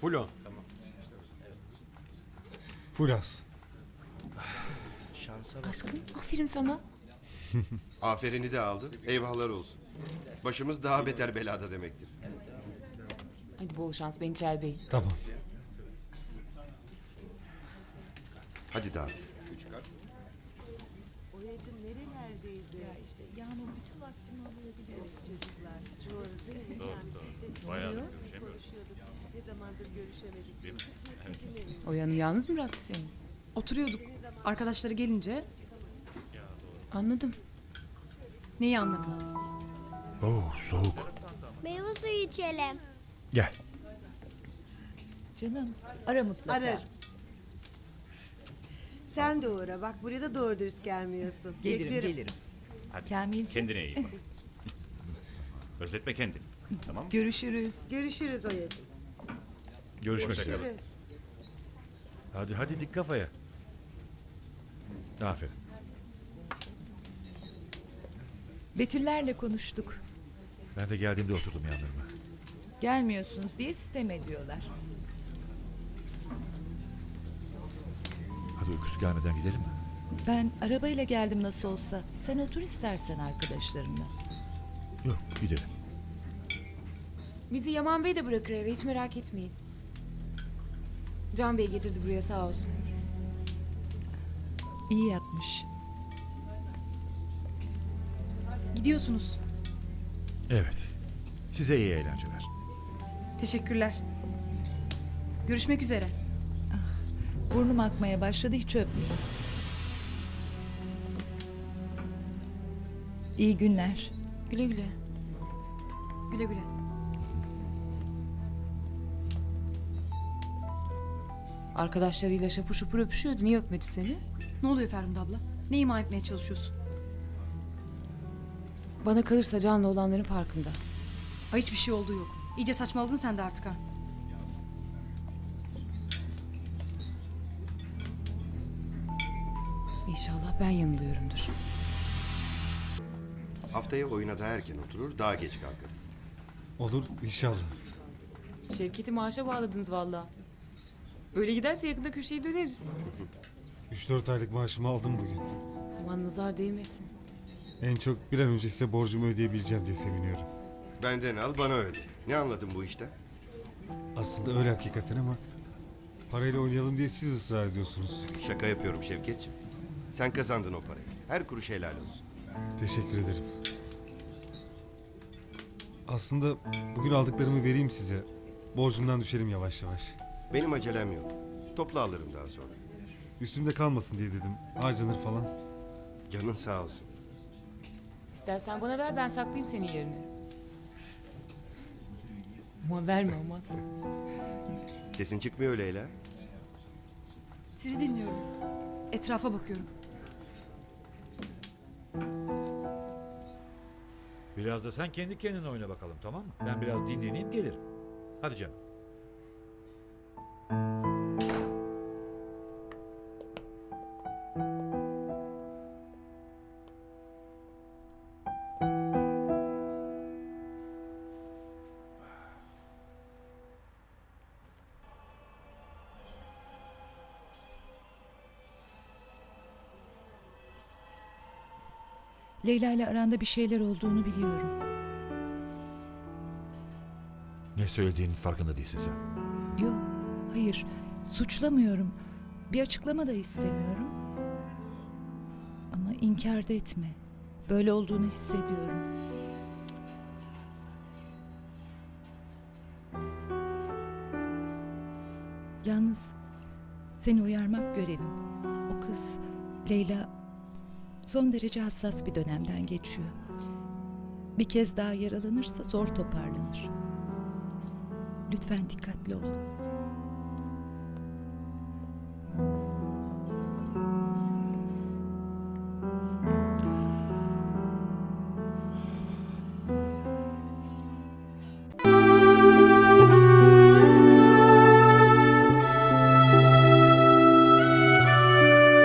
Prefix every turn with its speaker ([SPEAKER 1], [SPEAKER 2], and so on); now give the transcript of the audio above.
[SPEAKER 1] Full on.
[SPEAKER 2] Full az.
[SPEAKER 3] Aşkım aferin sana.
[SPEAKER 4] Aferini de aldın. Eyvahlar olsun. Başımız daha beter belada demektir.
[SPEAKER 3] Hadi bol şans, ben içerideyim.
[SPEAKER 2] Tamam.
[SPEAKER 4] Hadi dağıt.
[SPEAKER 5] Oyacım nerelerdeydi? Ya işte Yağmur bütün vaktimi alıyor biliyorsun çocuklar. Doğru değil mi? Yani biz de
[SPEAKER 6] Bayağıdır
[SPEAKER 5] konuşuyorduk. Ne zamandır görüşemedik. Kısmet bugünlerin.
[SPEAKER 3] Oyan'ı yalnız mı bıraktı seni?
[SPEAKER 7] Oturuyorduk. Arkadaşları gelince
[SPEAKER 3] Anladım.
[SPEAKER 7] neyi anladın?
[SPEAKER 2] Oo, soğuk.
[SPEAKER 8] Meyve suyu içelim.
[SPEAKER 2] Gel.
[SPEAKER 9] Canım ara mutlaka.
[SPEAKER 5] Arar. Sen de uğra. Bak buraya da doğru dürüst gelmiyorsun.
[SPEAKER 9] Gelirim
[SPEAKER 5] Beklerim.
[SPEAKER 9] gelirim.
[SPEAKER 6] Hadi.
[SPEAKER 9] Kamilciğim.
[SPEAKER 6] Kendine iyi bak. Özletme kendini. Tamam mı?
[SPEAKER 9] Görüşürüz.
[SPEAKER 5] Görüşürüz Oyacım.
[SPEAKER 2] Görüşmek üzere.
[SPEAKER 5] Görüşürüz.
[SPEAKER 2] Hadi hadi dik kafaya. Aferin.
[SPEAKER 9] Betüllerle konuştuk.
[SPEAKER 2] Ben de geldiğimde oturdum yanlarına.
[SPEAKER 9] Gelmiyorsunuz diye sitem ediyorlar.
[SPEAKER 2] Hadi öküz gelmeden gidelim mi?
[SPEAKER 9] Ben arabayla geldim nasıl olsa. Sen otur istersen arkadaşlarınla.
[SPEAKER 2] Yok gidelim.
[SPEAKER 3] Bizi Yaman Bey de bırakır eve, hiç merak etmeyin. Can Bey getirdi buraya, sağ olsun.
[SPEAKER 9] İyi yapmış.
[SPEAKER 7] Gidiyorsunuz.
[SPEAKER 2] Evet. Size iyi eğlenceler.
[SPEAKER 7] Teşekkürler. Görüşmek üzere.
[SPEAKER 9] Burnum akmaya başladı, hiç öpmeyeyim. İyi günler.
[SPEAKER 3] Güle güle.
[SPEAKER 7] Güle güle.
[SPEAKER 3] Arkadaşlarıyla şapur şupur öpüşüyordu, niye öpmedi seni?
[SPEAKER 7] Ne oluyor Ferhunde abla? Ne ima etmeye çalışıyorsun?
[SPEAKER 3] Bana kalırsa Can'la olanların farkında.
[SPEAKER 7] Ay hiçbir şey olduğu yok. İyice saçmaladın sen de artık ha.
[SPEAKER 3] İnşallah ben yanılıyorumdur.
[SPEAKER 4] Haftaya oyuna daha erken oturur, daha geç kalkarız.
[SPEAKER 2] Olur inşallah.
[SPEAKER 3] Şevket'i maaşa bağladınız valla. Öyle giderse yakında köşeyi döneriz.
[SPEAKER 2] 3-4 aylık maaşımı aldım bugün.
[SPEAKER 3] Aman nazar değmesin.
[SPEAKER 2] En çok bir an önce size borcumu ödeyebileceğim diye seviniyorum.
[SPEAKER 4] Benden al, bana öde. Ne anladın bu işten?
[SPEAKER 2] Aslında öyle hakikaten ama parayla oynayalım diye siz ısrar ediyorsunuz.
[SPEAKER 4] Şaka yapıyorum Şevketciğim. Sen kazandın o parayı. Her kuruş helal olsun.
[SPEAKER 2] Teşekkür ederim. Aslında bugün aldıklarımı vereyim size. Borcumdan düşerim yavaş yavaş.
[SPEAKER 4] Benim acelem yok. Topla alırım daha sonra.
[SPEAKER 2] Üstümde kalmasın diye dedim. Harcanır falan.
[SPEAKER 4] Canın sağ olsun.
[SPEAKER 3] İstersen bana ver, ben saklayayım senin yerine. Ama verme ama.
[SPEAKER 4] Sesin çıkmıyor Leyla.
[SPEAKER 7] Sizi dinliyorum. Etrafa bakıyorum.
[SPEAKER 10] Biraz da sen kendi kendine oyna bakalım, tamam mı? Ben biraz dinleneyim gelirim. Hadi canım.
[SPEAKER 9] Leyla ile aranda bir şeyler olduğunu biliyorum.
[SPEAKER 10] Ne söylediğinin farkında değilsin sen.
[SPEAKER 9] Yok, hayır. Suçlamıyorum. Bir açıklama da istemiyorum. Ama inkar da etme. Böyle olduğunu hissediyorum. Yalnız seni uyarmak görevim. O kız, Leyla, son derece hassas bir dönemden geçiyor. Bir kez daha yaralanırsa zor toparlanır. Lütfen dikkatli ol.